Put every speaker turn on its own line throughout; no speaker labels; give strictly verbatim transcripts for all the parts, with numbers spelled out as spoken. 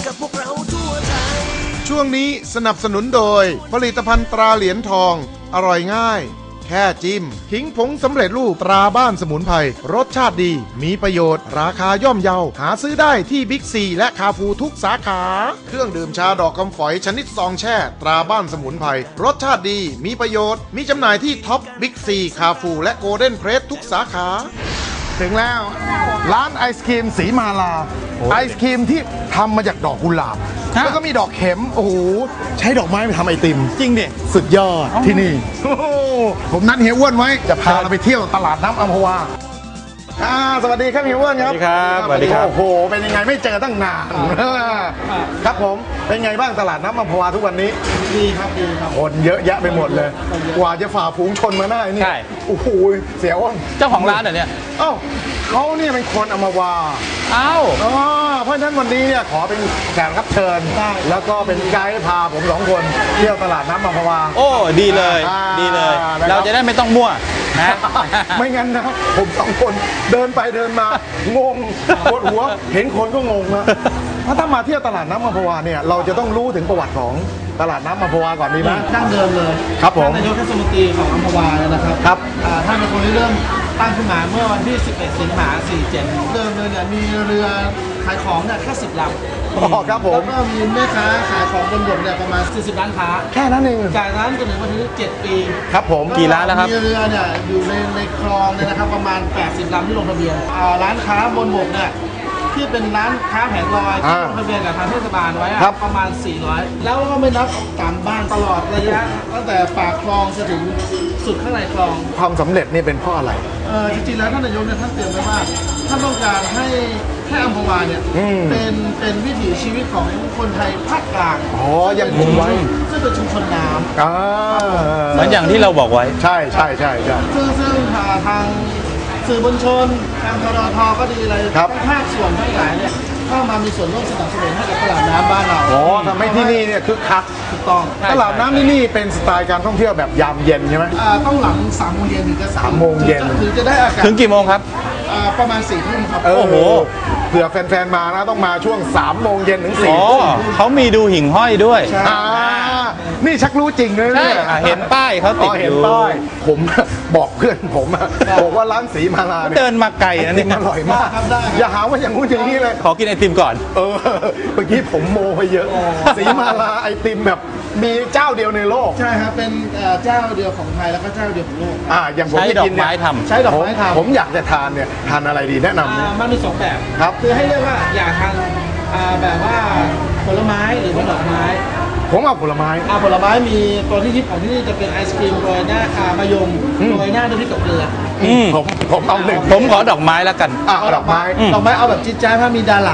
กับพวกเราทั่วไทย
ช่วงนี้สนับสนุนโดยผลิตภัณฑ์ตราเหรียญทองอร่อยง่ายแค่จิ้มขิงผงสำเร็จรูปตราบ้านสมุนไพรรสชาติดีมีประโยชน์ราคาย่อมเยาหาซื้อได้ที่บิ๊กซีและคาฟูทุกสาขาเครื่องดื่มชาดอกคำฝอยชนิดซองแช่ตราบ้านสมุนไพรรสชาติดีมีประโยชน์มีจำหน่ายที่ท็อปบิ๊กซีคาฟูและโกลเด้นเพรสทุกสาขาถึงแล้วร้านไอศครีมสีมาลาไอศครีมที่ทำมาจากดอกกุหลาบแล้วก็มีดอกเข็มโอ้โหใช้ดอกไม้ไปทำไอติมจริงดิสุดยอดที่นี่ผมนัดเฮียอ้วนไว้จะพาเราไปเที่ยวตลาดน้ำอัมพวาสวัสดีครับเฮียอ้วนครับสวัสดีครับสวัสดีครับโอ้โหเป็นยังไงไม่เจอตั้งนานครับผมเป็นไงบ้างตลาดน้ำอัมพวาทุกวันนี้ดีครับดีครับคนเยอะแยะไปหมดเลยกว่าจะฝ่าฝูงชนมาได้นี่โอ้โหเสียอ้วน
เจ้าของร้านเหรอเนี่ย
เอ้าเขาเนี่ยเป็นคนอัมพวา
อ้าว
เพราะฉะนั้นวันนี้เนี่ยขอเป็นแขกรับเชิญแล้วก็เป็นไกด์พาผมสองคนเที่ยวตลาดน้ำอัมพวา
โอ้ดีเลยดีเลยเราจะได้ไม่ต้องมั่วนะ
ไม่งั้นนะผมสองคนเดินไปเดินมางงปวดหัวเห็นคนก็งงนะถ้าถ้ามาเที่ยวตลาดน้ำอัมพวาเนี่ยเราจะต้องรู้ถึงประวัติของตลาดน้ำอัมพวาก่อนดีไหม
ดั้งเดิมเลย
ครับผม
นายกเทศมนตรีของอัมพวานะครับ
ครับ
ท่านเป็นคนที่เริ่มตั้งขึ้นมาเมื่อวันที่สิบเอ็ดสิงหาคมสี่สิบเจ็ดเดิมเลยเนี่ยมีเรือขายของเนี่ยแค่สิบลำ
อ๋อครับผม
แล้วก็มีแม่ค้าขายของบนบกเนี่ยประมาณสี่สิบร้านค้า
แค่นั้นเอง
จากนั้นจนถึงวันที่เจ็ดปี
ครับผม
กี่ร้านแล้วครับ
มีเรือเนี่ยอยู่ในในคลองเนี่ยนะครับประมาณแปดสิบลำที่ลงทะเบียนร้านค้าบนบกเนี่ยที่เป็นร้านค้าแผงลอยที่ลงทะเบียนกับทางเทศบาลไว้ประมาณสี่ร้อยแล้วก็ไม่นับตามบ้านตลอดระยะตั้งแต่ปากคลองจนถึงสุดข้างในคลอง
ความสำเร็จนี่เป็นเพราะอะไร
เออจริงๆแล้วท่านนายกเนี่ยท่านเตรียมไว้ว่าท่านต้องการให้แค่อัมพวาเนี่ยเป็นเป็นวิถีชีวิตของคนไทยภาคกลาง
อ๋อยังคงไว้
ซึ่งเป็นชุมชนน้ำ
อ่า
เหมือนอย่างที่เราบอกไว้
ใช่ใช่ใช่ใช่
ซึ่งซึ่งทางสื่อมวลชนทางทรทก็ดีอะไรภาคส่วนทั้งหลายเนี่ยเข้ามามีส่วนร่วมสนับสนุนให้กับตลาดน้ำบ้านเรา
อ๋อทำให้ที่นี่เนี่ยคึกคัก
ถูกต้อง
ตลาดน้ำที่นี่เป็นสไตล์การท่องเที่ยวแบบยามเย็นใช่ไหม
อ่าต้องหลังสามโมงเย็นถึงจะ
สามโมงเย็น
ถึงจะได้อากาศ
ถึงกี่โมงครับ
อ่าประมาณสี่ทุ่มครับ
โอ้โหเผื่อแฟนๆมานะต้องมาช่วงสามโมงเย็นถึงสี่ทุ่ม
เขามีดูหิ่งห้อยด้วย
นี่ชักรู้จริงเลยเนี่ย
เห็นป้ายเขาติดอยู่
ผมบอกเพื่อนผมบอกว่าร้านสีมาลาเนี่ย
เดินมาไกลนะนี่
อร่อยมากอย่าหาว่าอย่างงู้นอย่างนี้เลย
ขอกินไอติมก่อน
เออเมื่อกี้ผมโมไปเยอะสีมาลาไอติมแบบมีเจ้าเดียวในโลก
ใช่ครับเป็นเจ้าเดียวของไทยแล้วก็เจ้าเดียวของโลก
อ่าอย่างผม
ใช้ดอกไม้ทำ
ใช้ดอกไม้ทำ
ผมอยากจะทานเนี่ยทานอะไรดีแนะนำเนี่ย
มันมีสองแบบ
ครับ
คือให้เลือกว่าอยากทานแบบว่าผลไม้หรือว่าดอกไม้
ผมเอาผลไม้
ผลไม้มีตัวที่ฮิตของที่นี่จะเป็นไอศครีมโรยหน้ามะยมโรยหน้าด้วยพริกกับเกลือ
ผมผมเอาหนึ่ง
ผมขอดอกไม้แล้วกัน
อ่ะดอกไม้
ดอกไม้เอาแบบจิ๊ดจ้าเพราะมีดารา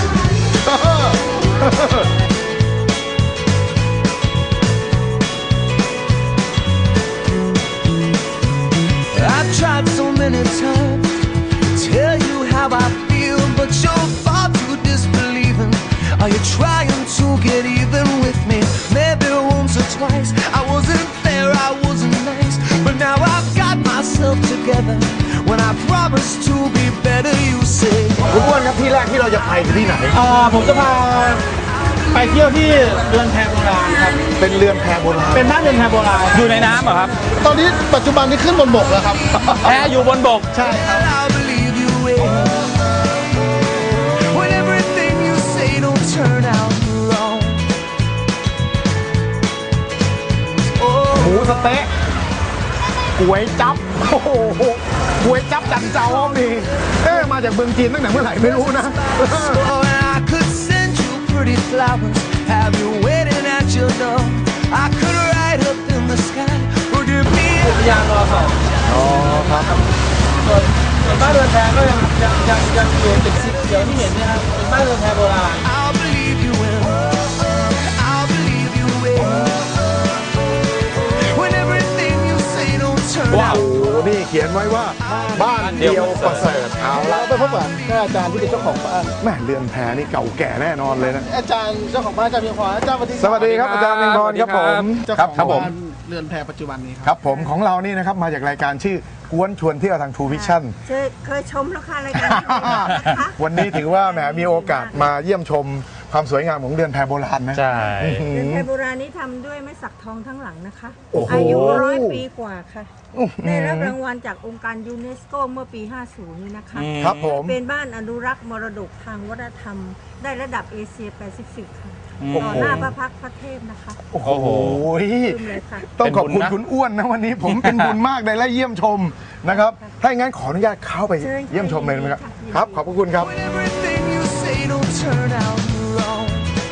I've tried so many times to tell you how I feel, but you're far too disbelieving. Are you trying to get even with me? Maybe once or twice I wasn't fair, I wasn't nice, but now I've got myself together. When I promised to be better, you say.
คุณอ้วนครับที่แรกที่เราจะไปที่ไหน
อ่าผมจะพาไปเที่ยวที่เรือนแพโบราณครับ
เป็นเรือนแพโบราณ
เป็นบ้านเรือนแพโบราณ
อยู่ในน้ำเหรอครับ
ตอนนี้ปัจจุบันนี้ขึ้นบนบกแล้วครับ
แพอยู่บนบก
ใช่ครับ
หมูสเต๊ะก๋วยจั๊บโอ้โหก๋วยจั๊บจันเจ้ามีเอ๊ะมาจากเมืองจีนตั้งแต่เมื่อไหร่ไม่รู้นะ
Pretty flowers have you waiting at your door. I could ride up in the sky. Forgive me.
อุทยานรอสอง
อ๋อครับ
ส่วนบ้านเรือนแพก็ยังยังยังยังอยู่ติดสีเขียวที่เห็นเนี่ยครับเป็นบ้านเรือนแพโบราณ
I'll believe you in. I'll believe you in. When everything you say don't turn out.
ว้าวนี่เขียนไว้ว่าบ้านเดียวประเสริฐเอา
แล้วไปพบกับอาจารย์ที่เป็นเจ้าของบ้าน
แม่เรือนแพนี่เก่าแก่แน่นอนเลยนะ
อาจารย์เจ้าของบ้านอาจารย์เพียงพรอาจารย์
สวัสดีครับอาจารย์เพียงพรครับผม
เจ้าของบ้านเรือนแพปัจจุบันนี้
ครับผมของเรานี่นะครับมาจากรายการชื่อกวนชวนเที่ยวทาง True Vision
เคยชมแล้วค่ะรายการ
วันนี้ถือว่าแหมมีโอกาสมาเยี่ยมชมความสวยงามของเรือนแพโบราณนะ
ใช่
เรือนแพโบราณนี้ทำด้วยไม้สักทองทั้งหลังนะคะ
โอ้โห
อายุร้อยปีกว่าค่ะ ได้รับรางวัลจากองค์การยูเนสโกเมื่อปี ห้าสิบ นี้นะคะ
ครับผม
เป็นบ้านอนุรักษ์มรดกทางวัฒนธรรม ได้ระดับเอเชียแปซิฟิกค่ะ ต่อหน้าพระพักตร์พระเทพนะคะ
โอ้โห
ลืมเลยค่ะ
ต้องขอบคุณ
เป็นบุญนะ
คุณอ้วนนะวันนี้ผมเป็นบุญมากได้และเยี่ยมชมนะครับ ถ้าอย่างนั้นขออนุญาตเข้าไป
เชิญค่ะ
เยี่ยมชมเลยนะครับ
ยินดี
ครับ ขอบพระคุณครับ
When everything you say don't turn out wrong.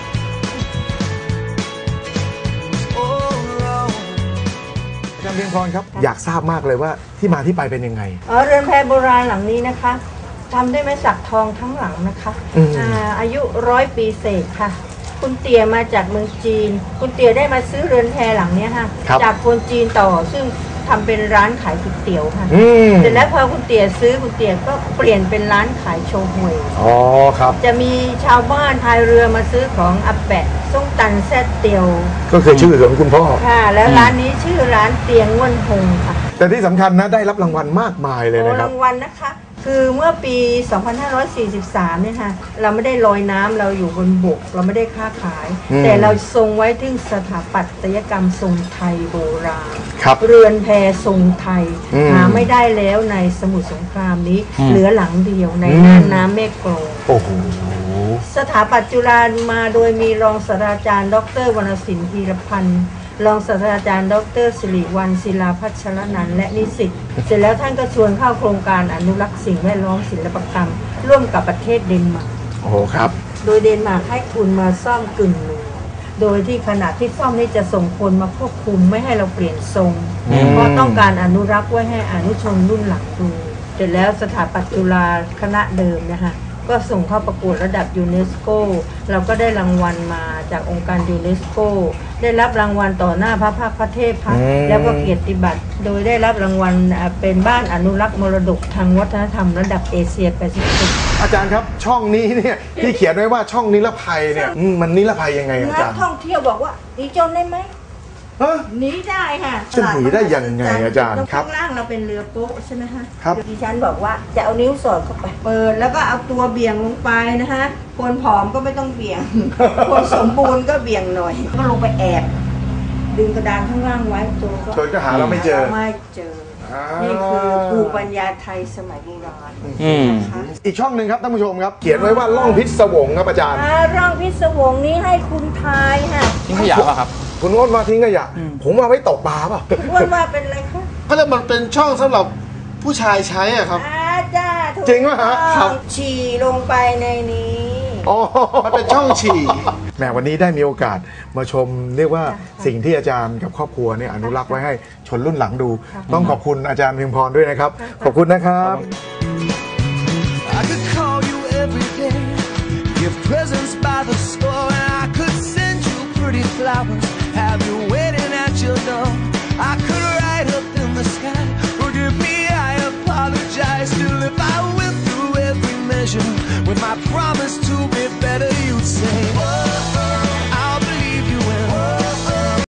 Oh, wrong.
อาจารย์เพียงพรครับ อยากทราบมากเลยว่าที่มาที่ไปเป็นยังไง
อ๋อเรือนแพโบราณหลังนี้นะคะทำด้วยไม้สักทองทั้งหลังนะคะ
อืม
อ่าอายุร้อยปีเศษค่ะ คุณเตี๋ยมาจากเมืองจีน คุณเตี๋ยได้มาซื้อเรือนแพหลังเนี้ยค่ะ
ครับ
จากคนจีนต่อซึ่งทำเป็นร้านขายก๋วยเตี๋ยวค่ะ
อืม
เสร็จแล้วพอคุณเตี๋ยซื้อคุณเตี๋ยก็เปลี่ยนเป็นร้านขายโชห่วย
อ๋อครับ
จะมีชาวบ้านพายเรือมาซื้อของอาแปะส้มตันแซ่ดเตียว
ก็คือชื่อของคุณพ่อ
ค่ะ แล้วร้านนี้ชื่อร้านเตียงง่วนพงค่ะ
แต่ที่สำคัญนะได้รับรางวัลมากมายเลย
โอ้
นะครับ
รางวัลนะคะ คือเมื่อปี สองพันห้าร้อยสี่สิบสาม เนี่ยค่ะ เราไม่ได้ลอยน้ำเราอยู่บนบก เราไม่ได้ค้าขาย
อืม
แต่เราทรงไว้ถึงสถาปัตยกรรมทรงไทยโบราณ
ครับ
เรือนแพทรงไทย
อืม
หาไม่ได้แล้วในสมุทรสงครามนี้
อืม
เหลือหลังเดียวใน
อืม
น่านน้ำแม่กลอง
โอ้โห
สถาปัตย์จุฬามาโดยมีรองศาสตราจารย์ ดรวรรณสินธีรพันธ์รองศาสตราจารย์ ดรสิริวัลย์ศิลาพัชรนันท์และนิสิตเสร็จแล้วท่านก็ชวนเข้าโครงการอนุรักษ์สิ่งแวดล้อมศิลปกรรม ร่วมกับประเทศเดนมาร์ก
โอ้โหครับ
โดยเดนมาร์กให้ทุนมาซ่อมกึ่งหนึ่งโดยที่ขณะที่ซ่อมนี่จะส่งคนมาควบคุมไม่ให้เราเปลี่ยนทรง
อืม
เพราะต้องการอนุรักษ์ไว้ให้อนุชนรุ่นหลังดูเสร็จแล้วสถาปัตย์จุฬาคณะเดิมนะคะก็ส่งเข้าประกวดระดับยูเนสโกเราก็ได้รางวัลมาจากองค์การยูเนสโกได้รับรางวัลต่อหน้าพระภาคพระเทพค่ะ
อืม
แล้วก็เกียรติบัตรโดยได้รับรางวัลอ่าเป็นบ้านอนุรักษ์มรดกทางวัฒนธรรมระดับเอเชียแปซิฟิก
อาจารย์ครับช่องนี้เนี่ยที่เขียนไว้ว่าช่องนิรภัยเนี่ยอืมมันนิรภัยยังไงอาจาร
นัก
ย์
ท่องเที่ยวบอกว่าหนีโจรได้ไหม
ฮะ
หนีได้ค่ะ
จะหนีได้ยังไงอาจารย์ครับ
ข้างล่างเราเป็นเรือโป๊ะใช่ไหมฮะ
ครับ
ดิฉันบอกว่าจะเอานิ้วสอดเข้าไป เปิดแล้วก็เอาตัวเบี่ยงลงไปนะคะคนผอมก็ไม่ต้องเบี่ยง คนสมบูรณ์ก็เบี่ยงหน่อย ก็ลงไปแอบ ดึงกระดานข้างล่างไว้ตัวก็
โจรก็หาเราไม่เจอ
ไม่เจอ
อ่า
นี่คือภูมิปัญญาไทยสมัยโบราณ
อืม
นะคะ
อีกช่องหนึ่งครับท่านผู้ชมครับ เขียนไว้ว่าล่องพิศวงครับอาจารย์
อ่าร่องพิศวงนี้ให้คุณทายค่ะ
ทิ้งขยะป่ะครับ
คุณอ้นมาทิ้งขยะผมเอาไว้ตกปลาเปล่ะ
คุณอ้วนว่าเป็นอะไรคะ
เขาเรียกมันเป็นช่องสำหรับผู้ชายใช้อะครับ
อาจ้าถูก
จริงป่ะฮะ
ต้องฉี่ลงไปในนี้
อ๋อ
มันเป็นช่องฉี่
แหมวันนี้ได้มีโอกาสมาชมเรียกว่าสิ่งที่อาจารย์กับครอบครัวเนี่ยอนุรักษ์ไว้ให้ชนรุ่นหลังดู ต้องขอบคุณอาจารย์เพียงพรด้วยนะครับ ขอบคุณนะครับ
I could call you every day, give presents by the store, and I could send you pretty flowers, have you waiting at your door.